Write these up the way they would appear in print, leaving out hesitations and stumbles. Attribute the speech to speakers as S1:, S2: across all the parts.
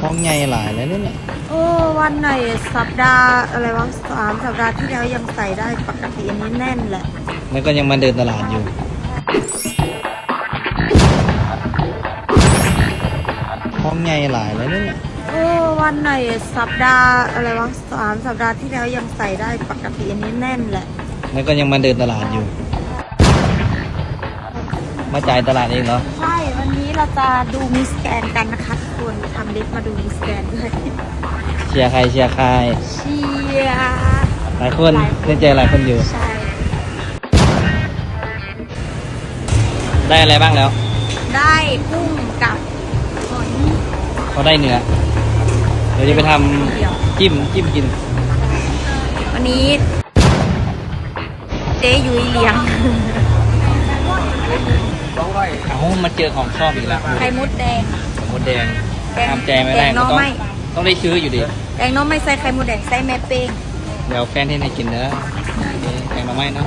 S1: ห้องใหญ่หลายแล้วเนี่ย
S2: วันไหนสัปดาห์อะไรวะ3 สัปดาห์ที่แล้วยังใส่ได้ปกติอันนี้แน่นแหละ
S1: แล้วก็ยังมาเดินตลาดอยู่ห้องใหญ่หลายแล้วเนี่ย
S2: วันไหนสัปดาห์อะไรวะ3 สัปดาห์ที่แล้วยังใส่ได้ปกติอันนี้แน่นแหละ
S1: แล้วก็ยังมาเดินตลาดอยู่ มาจ่ายตลาดเองเหรอ
S2: ใช่วันนี้เราจะดูมิสแกรนด์กันนะคะทุกคนทำลิสต์มาดูมิสแกรนด์ด้วย
S1: เชียร์ใครเชียร์ใคร
S2: เชียร์
S1: หลายคนเล่นใจหลายคนอยู่
S2: ใช่
S1: ได้อะไรบ้างแล้ว
S2: ได้กุ้งกับหอย
S1: เขาได้เนื้อเดี๋ยวจะไปทำจิ้มกิน
S2: วันนี้เจ๊ยุ้ยเลี้ยง
S1: เอ้ามาเจอของชอบอีกแล้ว
S2: ไข่มดแดง
S1: มดแดง
S2: แดง
S1: ทำใจไม่ได้
S2: แดงน้อง
S1: ต้อง
S2: ไม่
S1: ต้องได้ซื้ออยู่ดิ
S2: แดงน้องไม่ใส่ไข่มดแดงใส่แม่เป้ง
S1: เดี๋ยวแฟนที่ให้กินเนื้อแกงมาไม่เนาะ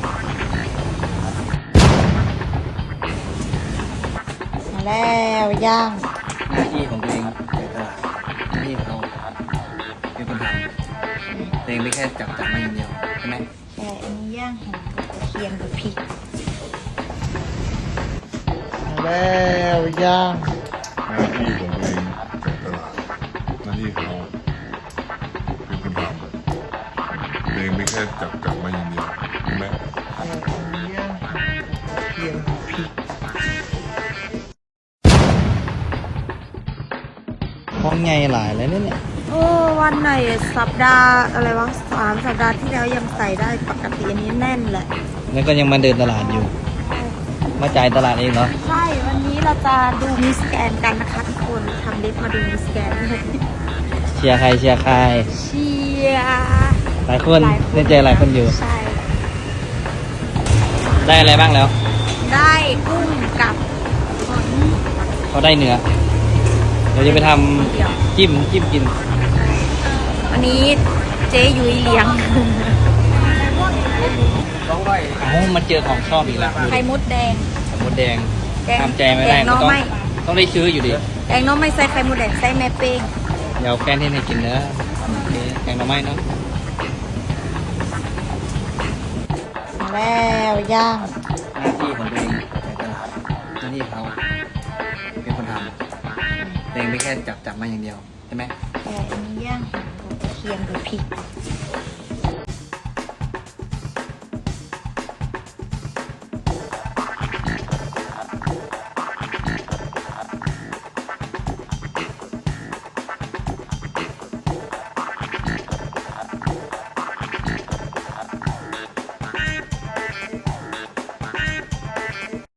S2: มาแล้วย่าง
S1: หน้าที่ของตัวเองในตลาดหน้าที่ของเราเป็นคนทำตัวเองไม่แค่จับมาอย่างเดียวใช่ไหม
S2: ใช่อันนี้ย่างหอมกับกระเทียมกับพริก
S1: แล้วย่าง
S3: หน้าที่ของตัวเองจากตลาดหน้าที่ของเราเป็นคนทำตัวเองไม่แค่จับมาอย่างเดียวใช่ไหม
S1: ห้องใหญ่หลายแล้วเนี่ย
S2: วันไหนสัปดาห์อะไรวะ3 สัปดาห์ที่แล้วยังใส่ได้ปกติอันนี้แน่นแหละ
S1: แล้วก็ยังมาเดินตลาดอยู่ มาจ่ายตลาดเองเหรอ
S2: ใช่วันนี้เราจะดูมิสแกรนด์กันนะคะทุกคนทำลิสต์มาดูมิสแกรนด์ด้วย
S1: เชียร์ใครเชียร์ใคร
S2: เชียร์
S1: หลายคนเล่นใจหลายคนอยู่
S2: ใช่
S1: ได้อะไรบ้างแล้ว
S2: ได้กุ้งกับหอย
S1: เขาได้เนื้อเดี๋ยวจะไปทำจิ้มกิน
S2: วันนี้เจ๊ยุ้ยเลี้ยง
S1: เอ้ามาเจอของชอบอีกแล้ว
S2: ไข่มดแดง
S1: มดแดง
S2: แดง
S1: ทำใจไม่ได้
S2: แดงน้อง
S1: ต้อง
S2: ไม่
S1: ต้องได้ซื้ออยู่ดิ
S2: แดงน้องไม่ใส่ไข่มดแดงใส่แม่เป้ง
S1: เดี๋ยวแฟนที่ให้กินเนื้อแกงมาไม่เนาะ
S2: มาแล้วย่าง
S1: หน้าที่ของตัวเองในตลาดหน้าที่ของเราเป็นคนทำตัวเองไม่แค่จับมาอย่างเดียวใช่ไหม
S2: แต่อันนี้ย่างหอมกับกระเทียมกับพริก